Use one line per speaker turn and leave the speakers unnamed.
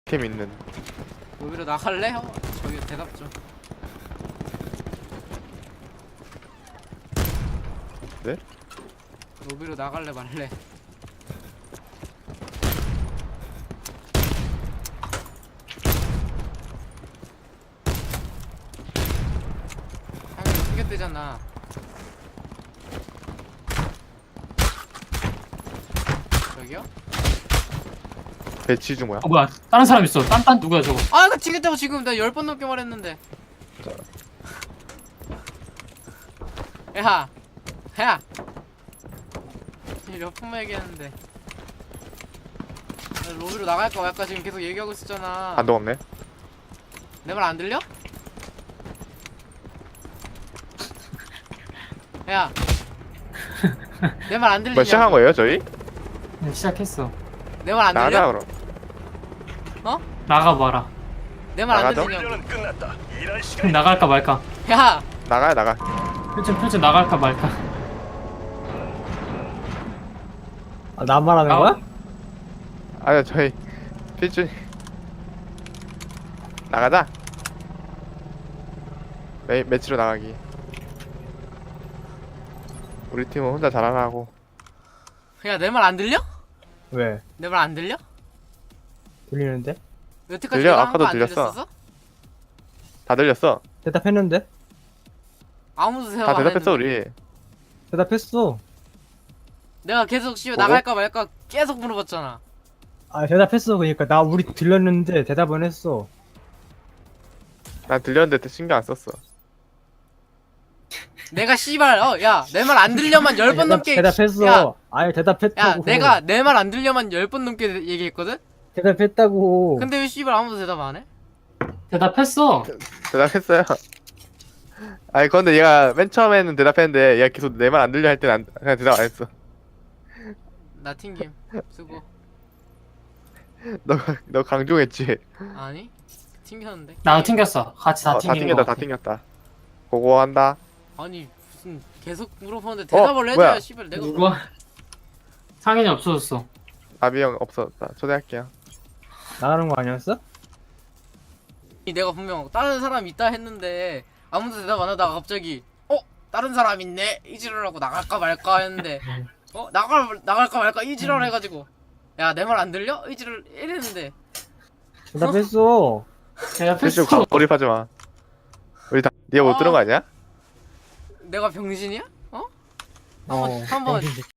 팀 있는.
로비로 나갈래? 저기 대답 좀.
네?
로비로 나갈래 말래? 하면 숨겼대잖아. 저기요?
배치 중 뭐야?
뭐야 다른 사람 있어. 딴 누구야 저거?
아 이거 지겠다고 지금 나 10번 넘게 말했는데. 야 몇 분만 얘기했는데 나 로비로 나갈까 말까 지금 계속 얘기하고 있었잖아.
반동 없네.
내 말 안 들려? 야 내 말 안 들리냐?
뭐 시작한 거예요 저희?
네, 시작했어.
내 말 안
나가자
들려?
그럼.
나가봐라.
내 말 안
나가죠?
들리냐고.
나갈까 말까.
야
나가야 나가.
표준 나갈까 말까.
아, 나 말하는 거야?
아니요 저희 필준 나가자. 매치로 나가기. 우리 팀은 혼자 잘하나 하고.
야 내 말 안 들려?
왜?
내 말 안 들려?
들리는데?
여태까지
들려?
내가 한
아까도
거 안
들렸어.
들렸었어?
다 들렸어.
대답했는데?
아무도 대답
다
안
대답했어
했는데.
우리.
대답했어.
내가 계속 씨발
뭐고?
나갈까 말까 계속 물어봤잖아.
아, 대답했어. 그러니까 나 우리 들렸는데 대답은 했어.
난 들렸는데 신경 안 썼어.
내가 씨발 야 내 말 안 들려만 10번 넘게
대답했어.
야,
아니,
야
대답했다고.
내가 내 말 안 들려만 10번 넘게 얘기했거든?
대답했다고.
근데 왜 씨발 아무도 대답 안 해?
대답했어.
대답했어요. 아니 근데 얘가 맨 처음에는 대답했는데 얘가 계속 내 말 안 들려 할 때는 그냥 대답 안 했어.
나 튕김 수고.
너 강조했지.
아니 튕겼는데.
나도 튕겼어. 같이 다
다
튕긴
튕겼다
거.
다 튕겼다. 고고한다.
아니 무슨 계속 물어보는데 대답을 해줘야
뭐야?
씨발 내가
누가? 상인이 없어졌어.
나비 형 없었다. 초대할게요.
나가는 거 아니었어?
내가 분명 다른 사람 있다 했는데 아무도 대답 안 하다가 갑자기 다른 사람 있네 이지랄하고 나갈까 말까 했는데 나갈까 말까 이지랄 해가지고 야 내 말 안 들려? 이지랄 이랬는데
대답했어.
필수
대답했어.
고립하지 마. 우리 다 네가 못 들은 거 아니야?
내가 병신이야?
어.
한번